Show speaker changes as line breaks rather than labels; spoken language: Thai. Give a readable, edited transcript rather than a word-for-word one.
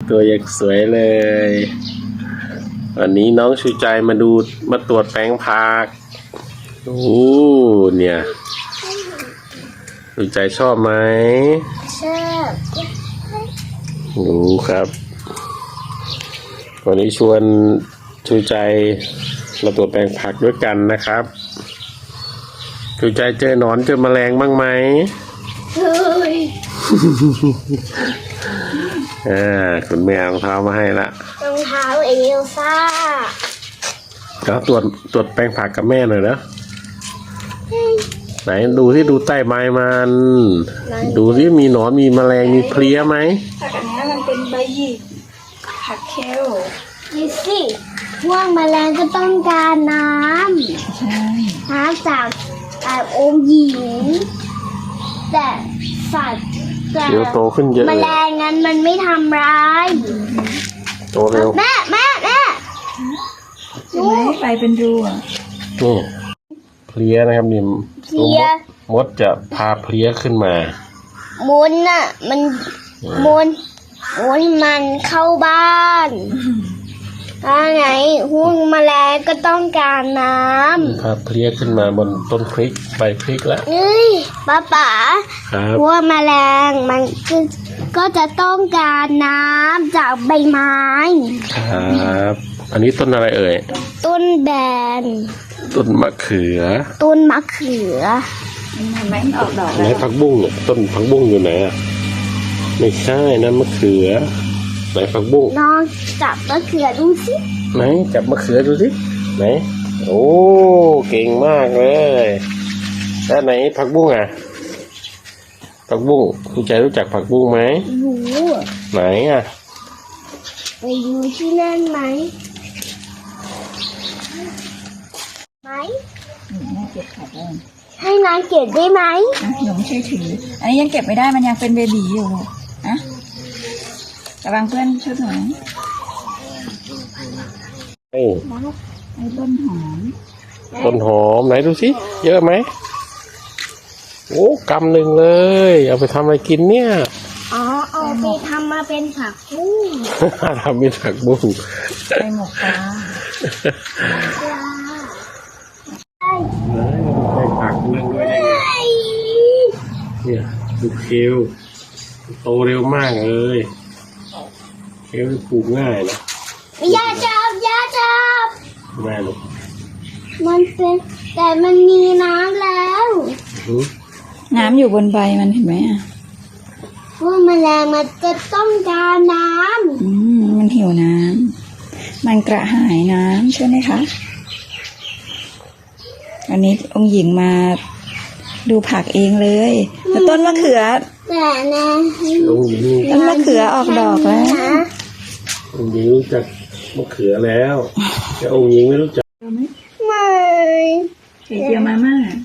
ตัวยังสวยเลยวันนี้น้องชูใจมาตรวจแปลงผักโอ้เนี่ยชูใจชอบไหม
ชอบ
รู้ครับวันนี้ชวนชูใจมาตรวจแปลงผักด้วยกันนะครับชูใจเจอหนอนเจอแมลงบ้างไหม
เฮ้ย
คุณแม่เอารองเท้ามาให้ละ
รองเท้าเอลซ่า
ก็ตรวจแปลงผักกับแม่หน่อยนะไหนดูที่ดูใต้ใบมันดูที่มีหนอนมีแมลงมีเพลี้ยไหม
ผักอันนี้มันเป็นใบหยิกผักเคล
ดูสิพวกแมลงก็ต้องการน้ำ
ใช่
จากองค์หญิงแต่สัตว์
เดี๋ยวโตขึ้นเยอะ
แมลงนั้นมันไม่ทำร้าย
โตเร็ว
แม่
ใช่ไหมไปเป็นรูอ่ะ
นี่เพลี้ยนะครับนี่มดจะพาเพลี้ยขึ้นมา
มุนน่ะมันมันเข้าบ้านไงหุ้งแมลงก็ต้องการน้ำ
พาเพลี้ยขึ้นมาบนต้นพริกใบพริกแล้ว
ป๋าพวกแมลงมันก็จะต้องการน้ำจากใบไม้
ครับอันนี้ต้นอะไรเอ่ย
ต้นแบน
ต้นมะเขือ
เห็นไหมออกดอก
ไหนผักบุ้งต้นผักบุ้งอยู่ไหนอ่ะไม่ใช่นั่นมะเขือไหนผักบุ้ง
น้องจับมะเขือดูสิ
ไหนจับมะเขือดูสิไหนโอ้เก่งมากเลยแล้วไหนผักบุ้งอ่ะผักบุ้งคุณใจรู้จักผักบุ้งไหม
รู้
ไหนอ่ะ
ไปดูที่นั่นไหม
แม่เก็บผักเลย
ให้นางเก็บได้ไหม
หนูไม่ใช่ถืออันนี้ยังเก็บไม่ได้มันยังเป็นเบบีอยู่นะระวังเพื่อนชุดหนู
ไอ้
ต้นหอ
มไหนดูสิเยอะไหมโอ้กำหนึ่งเลยเอาไปทำอะไรกินเนี่ย
เอาไปทำมาเป็นผักบุ้ง
ทำเป็นผักบุ้ง
ไปหมกปลา
ไปผักเรื่องด้วยได้ไงเนี่ยดูเคลโตเร็วมากเลยเคลปลูกง่ายนะ
อย่าจับ
แม่ลูก
มันเป็นแต่มันมีน้ำแล้ว
น้ำอยู่บนใบมันเห็นไหม
พวกแมลงมันจะต้องการน้
ำมันหิวน้ำมันกระหายน้ำใช่ไหมคะวันนี้องค์หญิงมาดูผักเองเลยแล้วต้นมะเขือ
แต่นะ
ต้นมะเขือออกดอกแล้ว
องค์หญิงรู้จักมะเขือแล้วแต่องค์หญิงไม่รู้จัก
ไม่
เจียวมาม่า